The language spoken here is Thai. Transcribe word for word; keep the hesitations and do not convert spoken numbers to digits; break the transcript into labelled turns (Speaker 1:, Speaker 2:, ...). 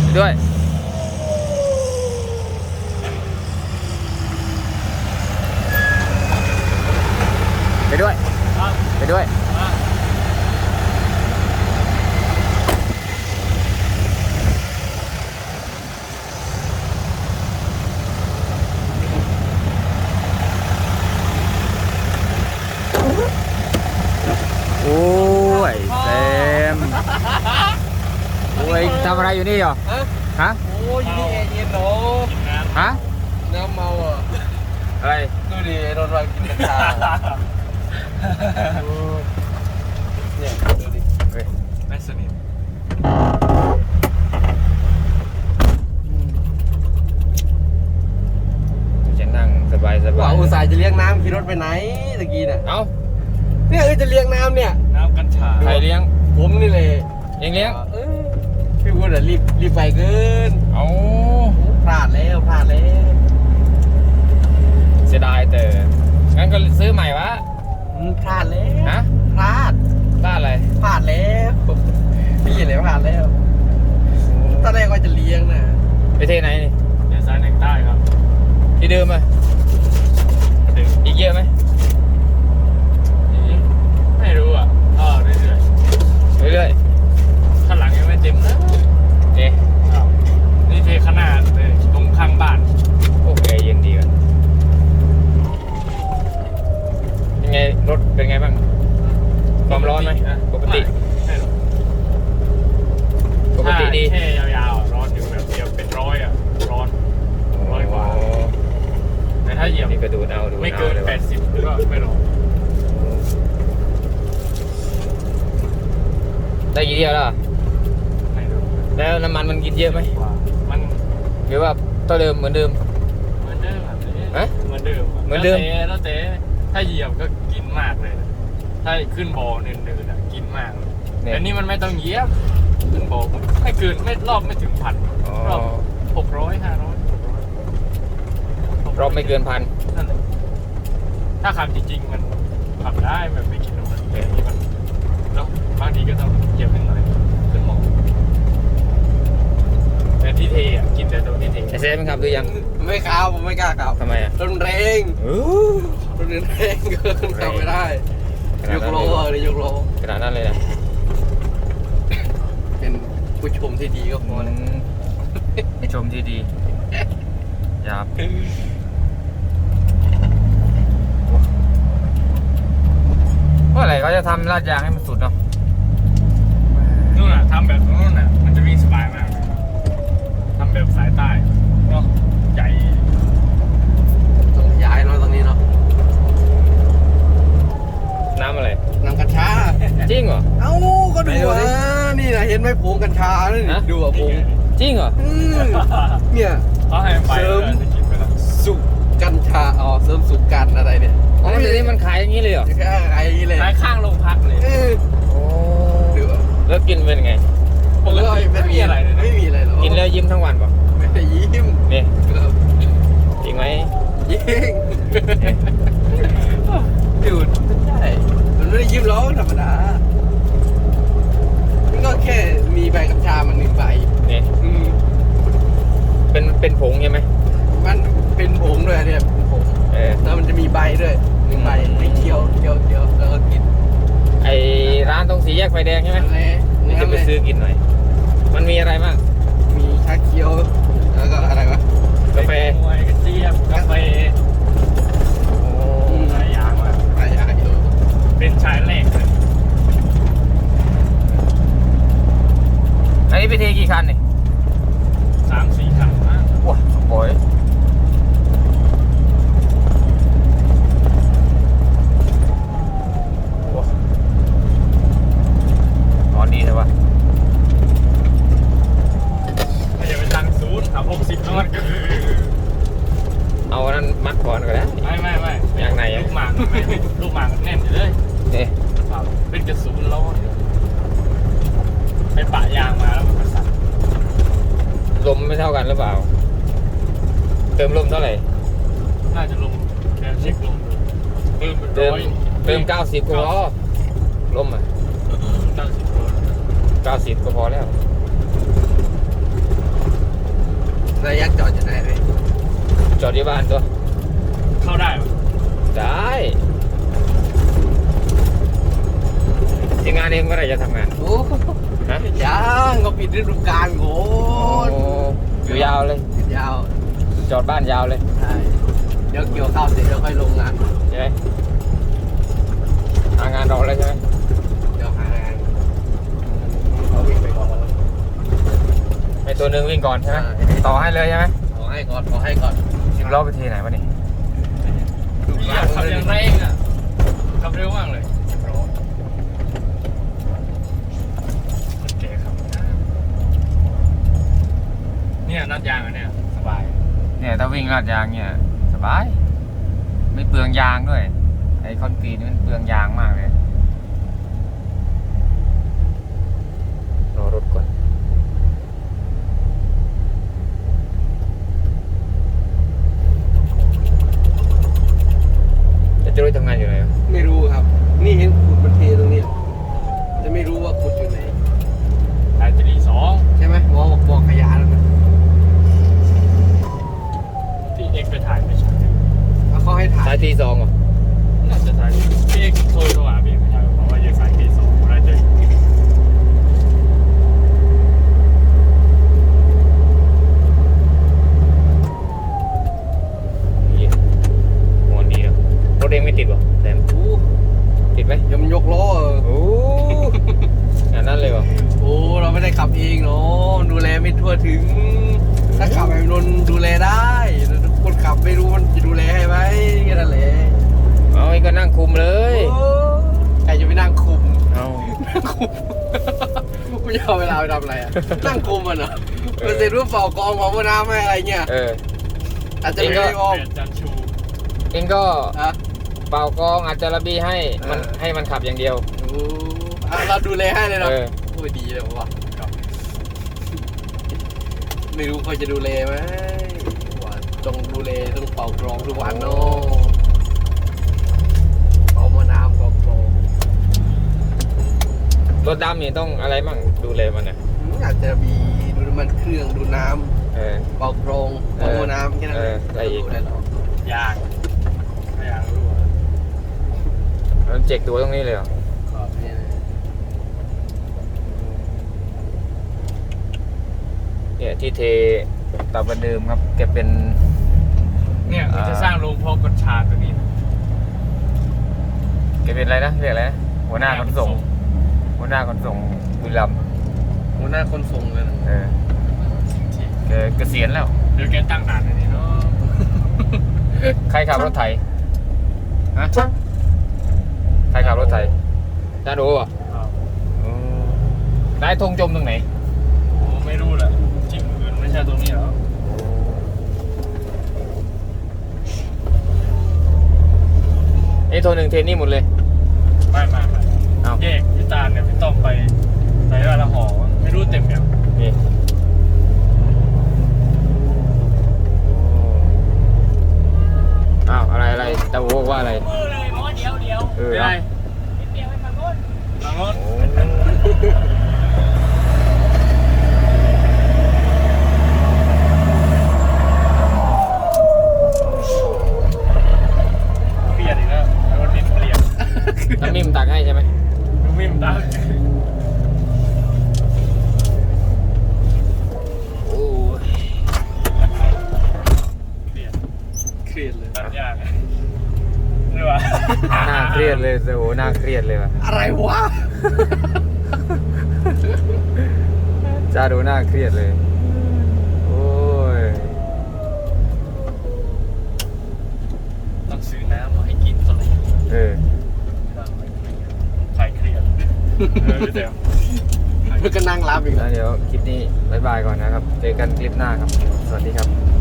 Speaker 1: ด้วยไปด้วยไปด้วยโอ้ยเต็มโอ้ยทำอะไรอยู่นี่เหรอฮะ
Speaker 2: โอ้ยนี่เอเย็นเนาะ
Speaker 1: ฮะ
Speaker 2: น้ำเมาอ่ะ
Speaker 1: อะไร
Speaker 2: ดูดิโดนวางกินกัญชาเนี่ยดูดิ
Speaker 1: ไม่สนิทจะนั่งสบายสบาย
Speaker 2: ว่าอุตส่าห์จะเลี้ยงน้ำขี่รถไปไหนตะกี้น่ะ
Speaker 1: เอ้า
Speaker 2: เนี่ยเออจะเลี้ยงน้ำเนี่ย
Speaker 1: น้ำกัญชาใครเลี้ยง
Speaker 2: ผมนี่เลย
Speaker 1: เองเลี้ยง
Speaker 2: พี่พูดอ่ะรีบรีบไปเกิน
Speaker 1: เอา
Speaker 2: พลาดแล้วพลาดแล้ว
Speaker 1: เสียดายแต่งั้นก็ซื้อใหม่วะ
Speaker 2: พลาดแล้ว
Speaker 1: ฮะ
Speaker 2: พลาด
Speaker 1: พลาดอะไร
Speaker 2: พลาดแล้วพี่เห็นแล้วพลาดแล้วตอนแรกว่าจะเลี้ยงนะ
Speaker 1: ไปเทไหนนี่
Speaker 3: เดี๋ยวซ้ายหนึ่งใต้ครับ
Speaker 1: ที่เดิมไหมอีกเยอะไหม
Speaker 3: ไม่รู้อ่ะอ๋อเรื่อย
Speaker 1: ๆเรื่อย
Speaker 3: ๆข้างหลังยังไม่เต็มนะ
Speaker 1: เอ๊ะ
Speaker 3: นี่เทขนาดเลยตรงข้างบ้าน
Speaker 1: โอเคเย็นดีกันยังไงรถเป็นไงบ้างความร้อนไหมปกติ
Speaker 3: ไม่หรอก
Speaker 1: ปกติดี
Speaker 3: แค่ยาวๆร้อนอยู่แบบเดียวเป็นร้อยอ่ะร้อนร้อยกว่าแต่ถ้าเหยียบ
Speaker 1: นี่ก็ดูเอาดู
Speaker 3: ไม่เกินแปดสิบก็ไม่ร้อน
Speaker 1: ได้กี่เที่ยวแล้ว
Speaker 3: ไม่รู้
Speaker 1: แล้วน้ำมันมันกินเยอะไหม
Speaker 3: มัน
Speaker 1: หรือว่าเท่าเดิมเหมือนเดิม
Speaker 3: เหมือนเดิม
Speaker 1: ฮะ
Speaker 3: เหมือนเดิม
Speaker 1: เหมือนเดิม
Speaker 3: แล้วแต่ถ้าเหยียบก็กินมากเลยถ้าขึ้นบ่อเนินๆอ่ะกินมากแต่นี่มันไม่ต้องเหยียบขึ้นบ่อไม่เกินไม่รอบไม่ถึงพันรอบหกร้อยห้าร้อย
Speaker 1: รอบไม่เกินพัน
Speaker 3: นั่นแหละถ้าขับจริงๆมันขับได้แบบไม่กินน้ำมันแต่นี่มันแล้วบางทีก็ต้องเหยียบขึ้นหน่อยขึ้นหมอแต่ที่เทอ่ะกินแต่ตัวที่เท
Speaker 1: ไอเซฟมันขับหรือยัง
Speaker 2: ไม่ขับผมไม่กล้าขับ
Speaker 1: ทำไมอ่ะ
Speaker 2: รถแรงรถแรงก็ขับไม่ได้ยกโลเลยยกโล
Speaker 1: ขนาดนั้นเลยนะ
Speaker 2: เป็นผู้ชมที่ดีก็พอแล้ว
Speaker 1: ผู้ชมที่ดียับเมื่อไหร่เขาจะทำลาดยางให้มันสุดเนาะ
Speaker 3: นู่นน่ะทำแบบนู่นน่ะมันจะวิ่งสบายมากทำแบบสายใต้เนาะใหญ่
Speaker 2: ต้องย้ายเนาะตรงนี้เนาะ
Speaker 1: น้ำอะไร
Speaker 2: น้ำกัญชา
Speaker 1: จริงเหรอ
Speaker 2: เอ้าก็ดูอ่ะนี่นะเห็นไหมผงกัญชานี่ดูอ่ะผง
Speaker 1: จริงเหรอ
Speaker 2: เนี่ย
Speaker 3: เสริม
Speaker 2: สุกกัญชาอ๋อเสริมสุกกันอะไรเนี่ย
Speaker 1: อ๋อเดี๋ยวนี้มันขายอย่างนี้เลยเหรอ
Speaker 2: ขายอย่างนี้เลย
Speaker 3: ขายข้างโรงพักเลย
Speaker 1: โอ้แล้วกินเป็นไง
Speaker 2: ปกติไม่มีอะไรเลยไม่มีอะไรหรอก
Speaker 1: กินแล้วยิ้มทั้งวันป่ะ
Speaker 2: ไม่ได้ยิ้ม
Speaker 1: นี่จริงไหม
Speaker 2: ยิ้มดูดใช่มันไม่ได้ยิ้มหรอกธรรมดามันก็แค่มีใบกัญชามันหนึ่งใบ
Speaker 1: นี่เป็นเป็นผงใช่ไหม
Speaker 2: มันเป็นผงด้วยเนี่ยเป็นผงแล้วมันจะมีใบด้วยหนึ่งใบให้เคี้ยวเคี้ยวเคี้ยวแล้วก็กิน
Speaker 1: ไอร้านตรงสีแยกไฟแดงใช่ไหมนี่จะไปซื้อกินหน่อยมันมีอะไรบ้าง
Speaker 2: มีชาเคี้ยวแล้วก็อะไรวะ
Speaker 1: กาแฟ
Speaker 3: มวยกระเจี๊ยบกาแฟ
Speaker 1: โอ้
Speaker 3: หลายอย่างว่ะ
Speaker 2: หลายอย่างอยู่
Speaker 3: เป็นชายแรกเลย
Speaker 1: อันนี้ไปเทกี่คันนี่
Speaker 3: สามสี่คันนะ
Speaker 1: ว้าโอ้ยดีใช่ปะ
Speaker 3: ไม่อย่าไปตั้งศูนย์ขับหกสิบนอนก็คือ
Speaker 1: เอานั้นมัดก่อนก็ได้
Speaker 3: ไม่ไม่ไม่
Speaker 1: อย่างไหน
Speaker 3: ลูกหมากไม่ลูกหมากแน่นอยู่เลย
Speaker 1: เนี่ย
Speaker 3: เป็นกระสุนล้อไปปะยางมาแล้วมันกระสั่น
Speaker 1: ลมไม่เท่ากันหรือเปล่าเติมลมเท่าไหร่
Speaker 3: น่าจะลมแค่เช็คลมเติม
Speaker 1: เติมเติมเก้าสิบก็พอลมอ่ะ
Speaker 3: เก้าสิบ
Speaker 1: เก้าสิบก็พอแล้ว
Speaker 2: ระยะจอดอยู่ไหนเลย
Speaker 1: จอดที่บ้านตัว
Speaker 3: เข้าได้ปะ
Speaker 1: ได้ที่งานเองก็ได้จะทำงาน
Speaker 2: โอ้
Speaker 1: ฮะ
Speaker 2: ยังก็ปิดฤดูกาลโง่
Speaker 1: โอ้อยู่ยาวเลย
Speaker 2: ยาว
Speaker 1: จอดบ้านยาวเลย
Speaker 2: ใช่เดี๋ยวเกี่ยวข้าวเสร็จแล้วค่อยลงงาน
Speaker 1: ใช่ไหมหางานรอแล้วใช่ไหม
Speaker 2: เดี๋ยวหางานเขาวิ่งไปก่อน
Speaker 1: ไอตัวหนึ่งวิ่งก่อนใช่ไหม
Speaker 2: ใช่
Speaker 1: ต่อให้เลยใช่ไหม
Speaker 2: ขอให้ก่อนขอให้ก่อน
Speaker 1: สิบล้อไปทีไหนวะนี่
Speaker 3: อยากขับอย่างไรเองอ่ะขับเร็วมากเลยคนแก่ขับเนี่ยนัดยางอันเนี่ยสบาย
Speaker 1: เนี่ยถ้าวิ่งลาดยางเนี่ยสบายไม่เปลืองยางด้วยไอคอนกรีตนี่มันเปลืองยางมากเลยรอรถก่อนจะรู้ทำงานอยู่ไหนวะ
Speaker 2: ไม่รู้ครับ นี่เห็นขุดมันเทตรงนี้จะไม่รู้ว่าขุดอยู่ไหน
Speaker 3: สายตรีสอง
Speaker 2: ใช่ไหมมองบอกขยะแล้วนะ
Speaker 3: ที่เอ็กไปถ่ายไม่ใช่
Speaker 2: แล้วเขาให้ถ่า
Speaker 1: สาย ยทีสองเหรอ
Speaker 3: น่าจะถ่ายพี่เอ็กโทรโทรหาพี่ไม่ใช่บอกว่าอยู่สายตรีสองอะไรเจอ
Speaker 1: นี่หัวดีเนอะรถเองไม่ติดวะแซม
Speaker 2: โอ้
Speaker 1: ติดไหม
Speaker 2: ยำยกล้อเออ
Speaker 1: โอ้งานนั้นเลยวะ
Speaker 2: โอ้เราไม่ได้ขับเองเนาะดูแลไม่ทั่วถึง ถ้าขับไอ้นนท์ดูแลได้แต่คนขับไม่รู้มันจะดูแลให้ไหมแค่นั้นแหละ
Speaker 1: เอาไอ้ก็นั่งคุมเลย
Speaker 2: โอ้ใครจะไปนั่งคุม
Speaker 1: เอา
Speaker 2: นั่งคุมกูจะเอาเวลาไปทำอะไรอะนั่งคุมมันเหรอมันเสร็จรูปเป่ากองเป่าน้ำให้อะไรเงี้ย
Speaker 1: เออ
Speaker 2: อาจจะไม่ได้มอง
Speaker 3: เปลี่ยนจันชู
Speaker 1: เองก็
Speaker 2: อะ
Speaker 1: เป่ากองอาจจะระบีให้มัน
Speaker 2: เออ
Speaker 1: ให้มันขับอย่างเดียว
Speaker 2: โอ้อ่ะเราดูแลให้เลยเนาะ
Speaker 1: เออ
Speaker 2: โอ้ยดีเลยว่ะไม่รู้เขาจะดูแลไหมว่าต้องดูแลต้องเป่ากรองทุกวันเนาะเป่าหม้อน้ำเป่ากรอง
Speaker 1: รถดำนี่ต้องอะไรมั่งดูแลมันอ่ะ
Speaker 2: อืมอาจจะมีดูน้ำมันเครื่องดูน้
Speaker 1: เออ
Speaker 2: ำเป่ากรองเป่าหม้อน้ำแค่นั้น
Speaker 1: เอออะไรอีก
Speaker 2: ดูได้หรอก
Speaker 3: ยางไม่ยางรู้อ่ะ
Speaker 1: มันเจ็กตัวตรงนี้เลยเหรอ
Speaker 2: เนี่ย
Speaker 1: เนี่ยที่เทตาบันเดิมครับแกเป็น
Speaker 3: เนี่ยเขาจะสร้างโรงเพาะกัญชาตัวนี้
Speaker 1: แกเป็นอะไรนะเรียกอะไรนะหัวหน้าขนส่งหัวหน้าขนส่งบุรีรัมย์
Speaker 2: หัวหน้าคนส่งเลยนะ
Speaker 1: เออแกเกษียณแล้ว
Speaker 3: เดี๋ยวแกตั้งด่านอันนี้เนาะ
Speaker 1: ใครขับรถไถฮะใครขับรถไถจ้าดูป่ะ
Speaker 3: อ้าว
Speaker 1: นายธงจมตรงไหน
Speaker 3: โอ้ไม่รู้แหละจริงอื่นไม่ใช่ตรงนี้แล้ว
Speaker 1: ไอ้โทรหนึ่งเทนนี่หมดเลย
Speaker 3: ไม่ไม่ไม่
Speaker 1: เอา
Speaker 3: แยกพี่ตาลเนี่ยพี่ต้อมไปใส่ละห่อไม่รู้เต็มยัง
Speaker 1: นี่อ้าวอะไรอะไรตาโวบอกว่าอะไร
Speaker 3: มือเลยหมอเดียวเดียว
Speaker 1: เออ
Speaker 3: ไม่ได้เดียวไปฝั่งโน้นฝั่งโน้น
Speaker 1: โอ้
Speaker 3: เปลี่ยนอีกแล้วรถดินเปลี่ยน
Speaker 1: น้ำมิมตักให้ใช่ไหม
Speaker 3: ดูมิมตา
Speaker 1: โอ้ย
Speaker 3: เปลี่ยน
Speaker 2: เครียดเลย
Speaker 3: ตัดยากหรือว่า
Speaker 1: น่าเครียดเลยโอ้โหน่าเครียดเลยว่ะ
Speaker 2: อะไรวะ
Speaker 1: จ้าดูน่าเครียดเลย โอ้ย
Speaker 3: ต้องซื้อน้ำมาให้กินสักหน่อย
Speaker 1: เออ
Speaker 3: คลายเครียดเออพี่เต๋อ
Speaker 2: มันก็นั่งรับอีก
Speaker 1: แล้
Speaker 2: แล้ว ว
Speaker 1: เดี๋ยวคลิปนี้บายบายก่อนนะครับ เจอกันคลิปหน้าครับ สวัสดีครับ